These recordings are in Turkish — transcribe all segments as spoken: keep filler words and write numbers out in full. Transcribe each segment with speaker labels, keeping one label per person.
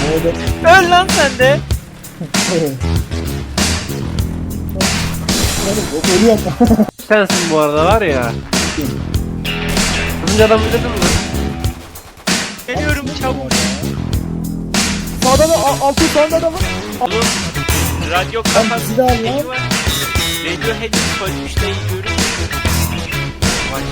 Speaker 1: Öl lan sen de.
Speaker 2: Ölüyorum.
Speaker 3: Sensin bu arada var ya. Hızlıca adam bitirdin mi?
Speaker 1: Geliyorum çabuk.
Speaker 2: Sağda da altı sağda adamı.
Speaker 1: Oğlum radyo
Speaker 2: Lan
Speaker 1: kafası
Speaker 2: bizi de al lan.
Speaker 1: şeyi var. Radiohead'in koymuşlayı görüyor musun? Vay.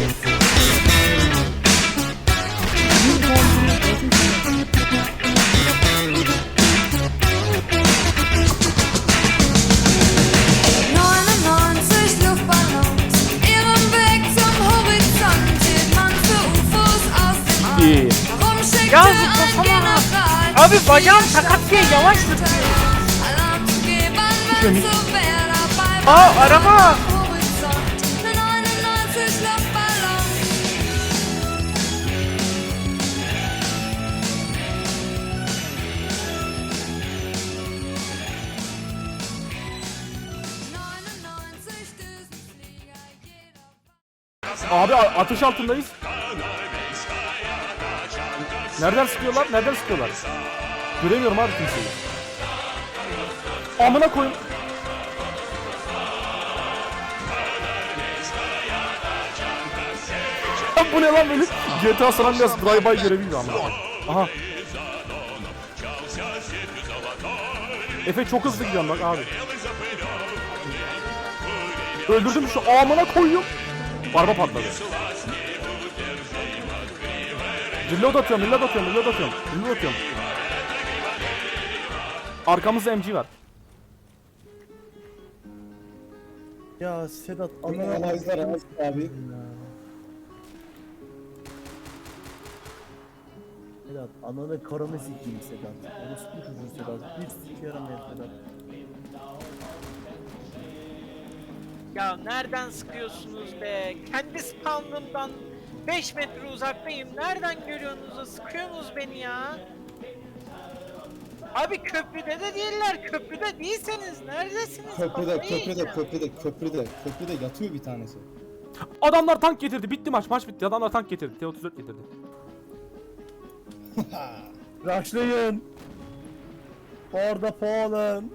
Speaker 4: neunundneunzig Luftballons, ihren Weg zum Horizont, hielt man für U F Os aus dem All.
Speaker 3: İyi.
Speaker 4: Warum schickte
Speaker 1: Ya
Speaker 4: ein
Speaker 1: zıplasana.
Speaker 4: General
Speaker 1: Abi bacağım sakat diye yavaş zıplıyor.
Speaker 4: Alarm zu geben, wenn so wer dabei war?
Speaker 1: Aa araba.
Speaker 4: Horizont, neunundneunzig Luftballons. neunundneunzig Düsenflieger, jeder
Speaker 5: Abi a- ateş altındayız. Nereden sıkıyorlar? Nereden sıkıyorlar? Göremiyorum abi kimseyi. Amına koyayım. Lan bu ne lan böyle? G T A San Andreas drive-by görevi gibi amına. Aha. Efe çok hızlı gidiyorum bak abi. Öldürdüm şu amına koyuyorum. Araba patladı. Reload atıyorum, reload atıyorum, reload atıyorum, reload atıyorum. Arkamızda M G var.
Speaker 2: Ya Sedat anana alaylar abi. Sedat ananı karını sikeyim Sedat. Orospu çocuğu Sedat. Bir sik yaramıyor Sedat.
Speaker 1: Ya nereden sıkıyorsunuz be? Kendi spawnımdan beş metre uzaktayım. Nereden görüyorsunuz da sıkıyorsunuz beni ya? Abi köprüde de değiller. Köprüde değilseniz neredesiniz?
Speaker 6: Köprüde,
Speaker 1: Kafayı
Speaker 6: köprüde,
Speaker 1: yiyeceğim.
Speaker 6: köprüde, köprüde, köprüde yatıyor bir tanesi.
Speaker 5: Adamlar tank getirdi, bitti maç, maç bitti. Adamlar tank getirdi, T otuz dört getirdi.
Speaker 2: Rushlayın. For the Poland.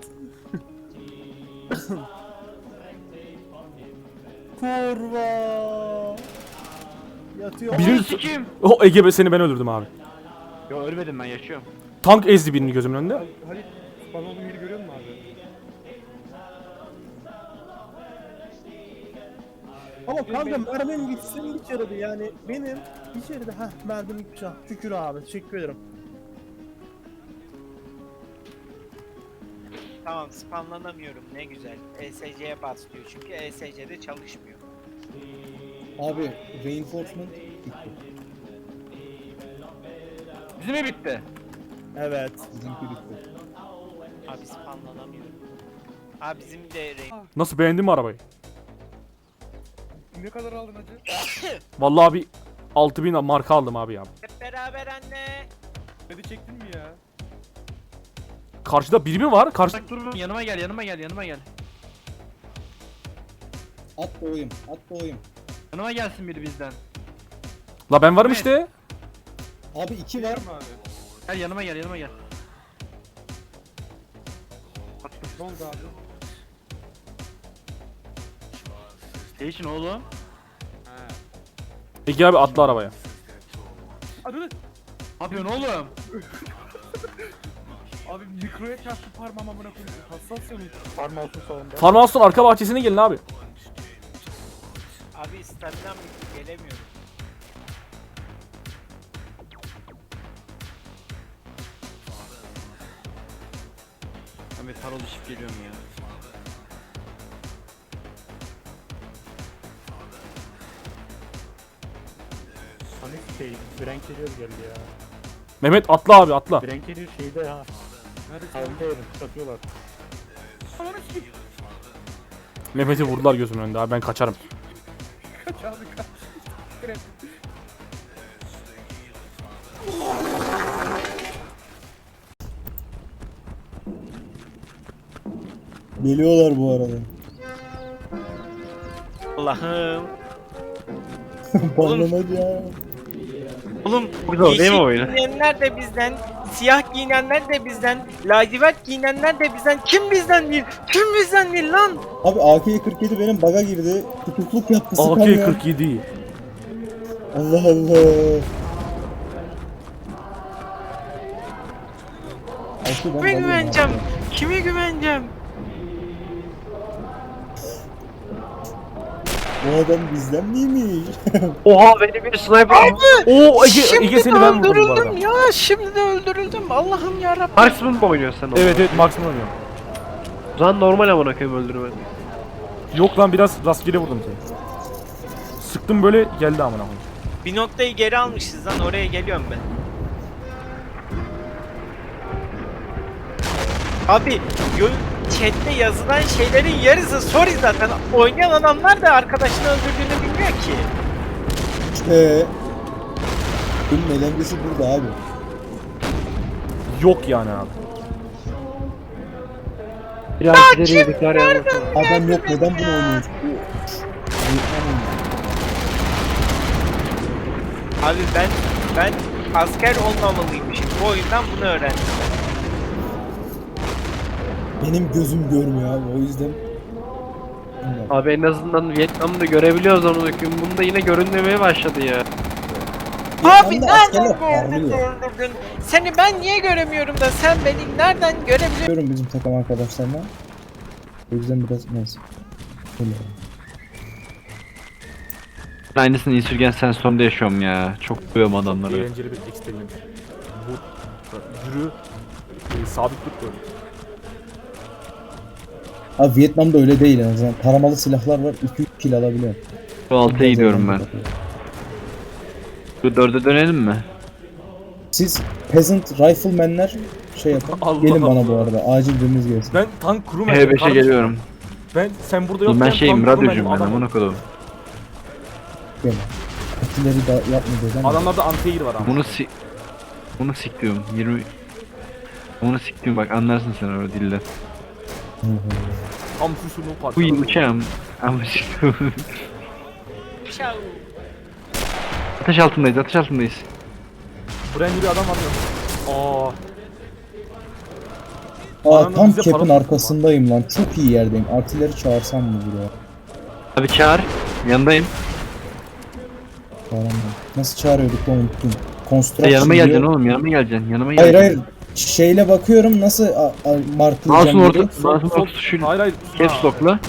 Speaker 2: Kurva. Yatıyor.
Speaker 5: Birini...
Speaker 3: Kim?
Speaker 5: O Ege be, seni ben öldürdüm abi.
Speaker 3: Yo ölmedim ben yaşıyorum.
Speaker 5: Tank ezdi birini gözümün önünde.
Speaker 2: Halit bana olduğum yeri görüyor musun abi? Ama kanka mermim gitsin içeride yani benim içeride heh mermim gitmiş ha şükür abi teşekkür ederim.
Speaker 1: Tamam spamlanamıyorum ne güzel. E S C'ye bas diyor çünkü E S C'de çalışmıyor.
Speaker 6: Abi, reinforcement gitti.
Speaker 3: Bizim mi bitti?
Speaker 2: Evet.
Speaker 6: Bizimki bitti.
Speaker 1: Abi spamlanamıyorum. Abi bizim de renk.
Speaker 5: Nasıl, beğendin mi arabayı?
Speaker 2: Ne kadar aldın hacı?
Speaker 5: Vallahi abi altı bin marka aldım abi ya.
Speaker 1: Hep beraber anne.
Speaker 2: Kredi çektin mi ya?
Speaker 5: Karşıda biri mi var? Karşı...
Speaker 3: Bak dur yanıma gel yanıma gel yanıma gel.
Speaker 6: At doğayım, at doğayım.
Speaker 3: Yanıma gelsin biri bizden.
Speaker 5: La ben varım
Speaker 3: Evet.
Speaker 5: işte.
Speaker 6: Abi iki var.
Speaker 3: Gel yanıma gel yanıma gel.
Speaker 2: Ne oldu abi?
Speaker 3: Şey için oğlum.
Speaker 5: Ege abi atla arabaya.
Speaker 2: Hadi
Speaker 3: Ne yapıyorsun oğlum?
Speaker 2: abi mikroya çarptı parmağım amına koyayım. Hassas yanıyor. Parmağı olsun salonda.
Speaker 5: Farmhouston arka bahçesine gelin abi.
Speaker 1: Abi staminam bitti gelemiyorum.
Speaker 3: Ben bir parol düşüp geliyorum ya.
Speaker 7: Hani şey, Frank geliyor geldi ya.
Speaker 5: Mehmet atla abi atla.
Speaker 7: Frank geliyor şeyde ya. Nerede? Yerim, satıyorlar.
Speaker 5: Mehmet'i vurdular gözümün önünde abi, ben kaçarım.
Speaker 6: Geliyorlar bu arada.
Speaker 1: Allah'ım.
Speaker 6: Banlamak ya.
Speaker 1: Oğlum
Speaker 3: Çok zor değil mi
Speaker 1: yeşil
Speaker 3: oyunu?
Speaker 1: giyinenler de bizden, siyah giyinenler de bizden, lacivert giyinenler de bizden. Kim bizden değil? Kim bizden değil lan?
Speaker 6: Abi A K kırk yedi benim baga girdi. Tutukluk yaptı
Speaker 5: A K
Speaker 6: sıkamıyor.
Speaker 5: kırk yedi.
Speaker 6: Allah Allah. Altı ben
Speaker 1: Kime
Speaker 6: balıyorum
Speaker 1: güveneceğim?
Speaker 6: abi.
Speaker 1: Kime güveneceğim?
Speaker 6: Bu adam bizden miymiş?
Speaker 3: Oha beni bir sniper.
Speaker 5: Oo Ege,
Speaker 1: Şimdi
Speaker 5: Ege seni
Speaker 1: de
Speaker 5: ben vurdum bu arada.
Speaker 1: öldürüldüm ya. Şimdi de öldürüldüm. Allah'ım yarabbim.
Speaker 3: Marksman mı oynuyorsun sen?
Speaker 5: Evet evet maksimum oynuyorum.
Speaker 3: O zaman normal amına koyayım öldürme.
Speaker 5: Yok lan biraz rastgele vurdum seni. Sıktım böyle geldi amına koyayım.
Speaker 1: Bir noktayı geri almışız lan. Oraya geliyorum ben. Abi yo chatte yazılan şeylerin yarısı sorry zaten. Oynayan adamlar da arkadaşını öldürdüğünü bilmiyor ki.
Speaker 6: Eee. Bunun eğlencesi burada abi.
Speaker 5: Yok yani abi.
Speaker 3: Biraz ileriye bir kar yapmasana.
Speaker 6: Adam yok neden bunu oynuyoruz?
Speaker 1: Abi ben ben asker olmamalıymışım. Bu oyundan bunu öğrendim.
Speaker 6: Benim gözüm görmüyor abi o yüzden. Bilmiyorum.
Speaker 3: Abi en azından Vietnam'da görebiliyoruz onu döküm. Bunda yine görünmemeye başladı ya.
Speaker 1: Abi
Speaker 6: Vietnam'da askerler
Speaker 1: nereden gördün
Speaker 6: parlıyor.
Speaker 1: öldürdün? Seni ben niye göremiyorum da sen beni nereden görebiliyorsun?
Speaker 6: Görüyorum bizim takım arkadaşlarına. O yüzden biraz neyse. Öyle.
Speaker 8: Aynısını Insurgent Sandstorm'da yaşıyorum ya. Çok duyuyorum adamları.
Speaker 5: Eğlenceli bir experiment. Bu yürü e, sabitlik böyle.
Speaker 6: Abi Vietnam'da öyle değil en azından. Taramalı silahlar var. iki üç kill alabiliyor.
Speaker 8: Şu altıya gidiyorum ben. Şu dörde dönelim mi?
Speaker 6: Siz peasant riflemenler şey yapın.
Speaker 5: Allah
Speaker 6: Gelin bana bu
Speaker 5: Allah.
Speaker 6: arada. Acil biriniz gelsin.
Speaker 5: Ben tank crewman.
Speaker 8: H beşe
Speaker 5: kardeşim.
Speaker 8: geliyorum.
Speaker 5: Ben sen burada
Speaker 8: Oğlum
Speaker 5: yokken
Speaker 8: ben şeyim,
Speaker 5: tank crewman'im,
Speaker 8: radyocuyum ben
Speaker 5: adam-
Speaker 8: amına koydum.
Speaker 6: Gelin. Atileri da yapmayacağız ama.
Speaker 5: Adamlarda anti-air var ama.
Speaker 8: Bunu si... Bunu siktiyorum. yirmi... Bunu siktiyorum bak anlarsın sen o dilden.
Speaker 6: Hı hı.
Speaker 5: Amfusunu
Speaker 8: Bu
Speaker 5: parçaladı.
Speaker 8: uçağım. Ama siktiyorum.
Speaker 1: Şau.
Speaker 8: Ateş altındayız, ateş altındayız.
Speaker 5: Brandy bir adam var ya. Aa.
Speaker 6: Aa
Speaker 5: Adamın
Speaker 6: tam
Speaker 5: bize
Speaker 6: cap'in
Speaker 5: para-
Speaker 6: arkasındayım lan. Çok iyi yerdeyim. Artileri çağırsam mı buraya?
Speaker 8: Abi çağır. Yanındayım.
Speaker 6: Çağıramam. Nasıl çağırıyorduk lan unuttum.
Speaker 8: Ya
Speaker 6: Construction
Speaker 8: yanıma
Speaker 6: diyor.
Speaker 8: geleceksin oğlum, yanıma geleceksin. Yanıma
Speaker 6: Hayır
Speaker 8: geleceksin.
Speaker 6: hayır. Şeyle bakıyorum nasıl a- a- marklayacağım
Speaker 8: Mouse'un orada,
Speaker 6: diye.
Speaker 5: Sol-
Speaker 8: mouse'un
Speaker 5: sol-
Speaker 8: orta tuşuyla.
Speaker 5: Hayır hayır.
Speaker 8: Caps lock'la.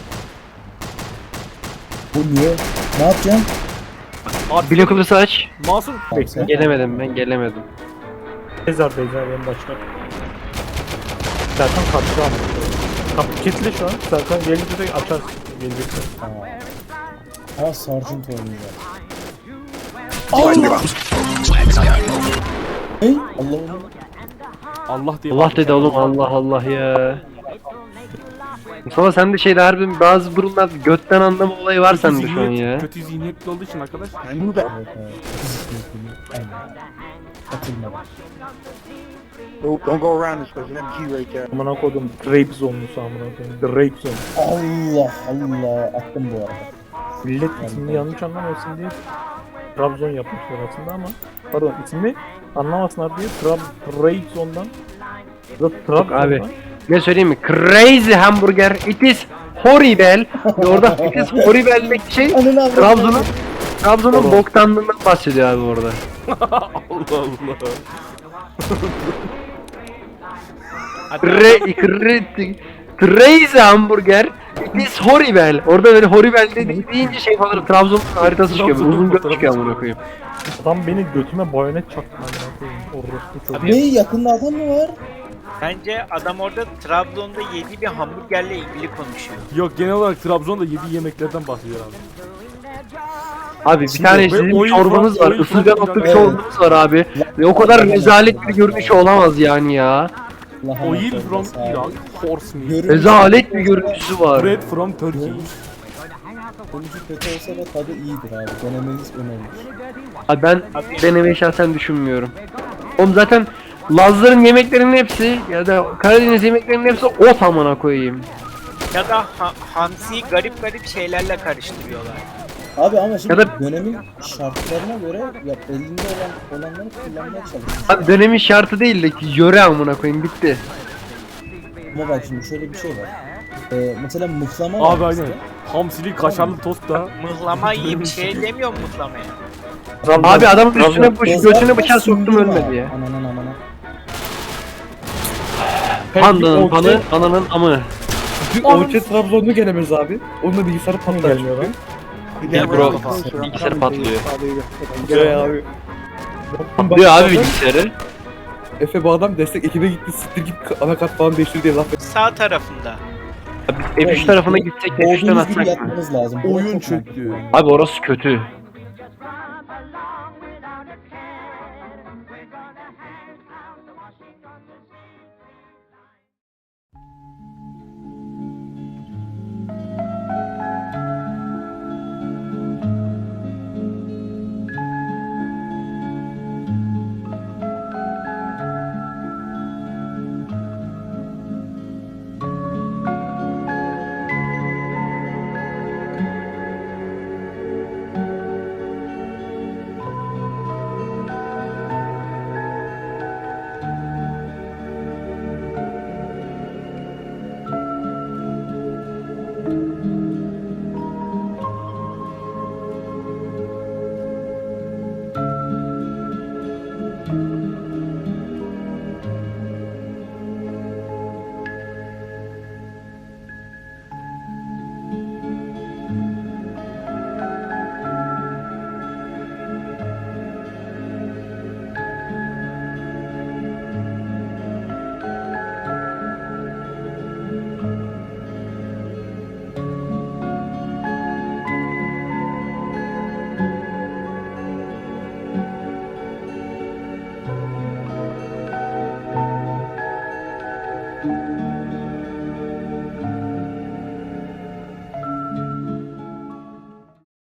Speaker 6: Bu niye? Ne yapacağım?
Speaker 5: Abi
Speaker 8: Blok olursa aç.
Speaker 5: Masum.
Speaker 6: Abi sen-
Speaker 3: Gelemedim ben gelemedim.
Speaker 7: Ezardayız abi en başta. Serkan kaçtı ama. Kapı kilitli şu an. Serkan gelince de açar. Gelecekse.
Speaker 6: Aa Sergeant oynuyor. Hey Allah'ım.
Speaker 5: Allah diye.
Speaker 3: Allah dedi oğlum Allah Allah ya. Mustafa sen de şeyde harbi bazı durumlar götten anlama olayı var
Speaker 5: Kötü
Speaker 3: sende şu an
Speaker 5: zihniyet-
Speaker 3: ya.
Speaker 5: Kötü zihniyetli olduğu için arkadaş.
Speaker 6: Evet, evet. Aynen. Katılmadım.
Speaker 7: Amına koydum. Rape zone'lusu amına koydum. The rape zone.
Speaker 6: Allah Allah attım bu arada.
Speaker 7: Millet ismini yanlış anlamasın diye Trabzon yapmışlar aslında ama pardon ismini anlamasınlar diye Trab Rape zone'dan da Trabzon'dan
Speaker 3: abi. Ne söyleyeyim mi? Crazy hamburger. It is horrible. Ve orada it is horrible'deki şey
Speaker 6: Ananı avradım.
Speaker 3: Trabzon'un Trabzon'un boktanlığından bahsediyor abi orada.
Speaker 5: Allah Allah.
Speaker 3: Re, cre, crazy hamburger. It is horrible. Orada böyle horrible dedi, deyince şey falan Trabzon'un haritası çıkıyor.
Speaker 5: Trabzon'un
Speaker 3: Uzun göt
Speaker 5: fotoğrafı
Speaker 3: çıkıyor amına koyayım.
Speaker 7: adam beni götüme bayonet çaktı amına koyayım. Orospu çocuğu.
Speaker 6: Ne yakında adam mı var?
Speaker 1: Bence adam orada Trabzon'da yediği bir hamburgerle ilgili konuşuyor.
Speaker 5: Yok genel olarak Trabzon'da yediği yemeklerden bahsediyor abi.
Speaker 3: Abi bir tane
Speaker 5: Ve
Speaker 3: sizin bir
Speaker 5: oyun
Speaker 3: çorbanız
Speaker 5: falan-
Speaker 3: var.
Speaker 5: oyun
Speaker 3: Isırgan
Speaker 5: falan-
Speaker 3: otlu bir
Speaker 6: Evet.
Speaker 3: çorbanız var abi. Ve o kadar rezalet bir görünüşü olamaz yani ya.
Speaker 6: Lahana
Speaker 5: Oil
Speaker 6: çorbası
Speaker 5: from
Speaker 6: abi.
Speaker 5: Iran, horse meat,
Speaker 6: Görünüş-
Speaker 3: Rezalet bir görüntüsü var.
Speaker 5: bread from Turkey.
Speaker 6: Görünüşü kötü olsa da tadı iyidir abi. Denemeniz önemli.
Speaker 3: Abi ben denemeyi şahsen düşünmüyorum. Oğlum zaten Lazların yemeklerinin hepsi ya da Karadeniz yemeklerinin hepsi ot amına koyayım.
Speaker 1: Ya da ha- hamsiyi garip garip şeylerle karıştırıyorlar.
Speaker 6: Abi ama şimdi
Speaker 3: Ya da-
Speaker 6: dönemin şartlarına göre ya elinde olan olanları kullanmaya çalışıyor.
Speaker 3: Abi dönemin şartı değil de ki yöre amına koyayım bitti.
Speaker 6: Ama bak şimdi şöyle bir şey var. Ee, mesela mıhlama var
Speaker 5: Abi aynen.
Speaker 6: bizde.
Speaker 5: Hamsili kaşarlı tost da.
Speaker 1: Mıhlama yiyip şey demiyor mu mıhlamaya?
Speaker 7: Trabzon-
Speaker 3: Abi adamın
Speaker 7: Trabzon-
Speaker 3: üstüne bu götüne bıçağı soktum ölmedi ya.
Speaker 6: Ananın amına.
Speaker 3: Pandanın panı, ananın amı.
Speaker 9: Orçe Trabzon'u gelemez abi. Onunla bilgisayarı patlar.
Speaker 7: gelmiyor lan.
Speaker 3: Gel bro. Bilgisayarı patlıyor.
Speaker 9: Gel abi.
Speaker 3: Patlıyor abi bilgisayarı.
Speaker 9: Efe bu adam destek ekibe gitti. Siktir git anakart falan değiştir diye laf
Speaker 1: Sağ tarafında.
Speaker 3: F üç tarafına gitsek F üçten
Speaker 6: Olduğunuz gibi
Speaker 3: atsak mı?
Speaker 6: yapmanız lazım. Bu
Speaker 9: oyun
Speaker 6: çok
Speaker 9: çöktü.
Speaker 3: Abi orası kötü.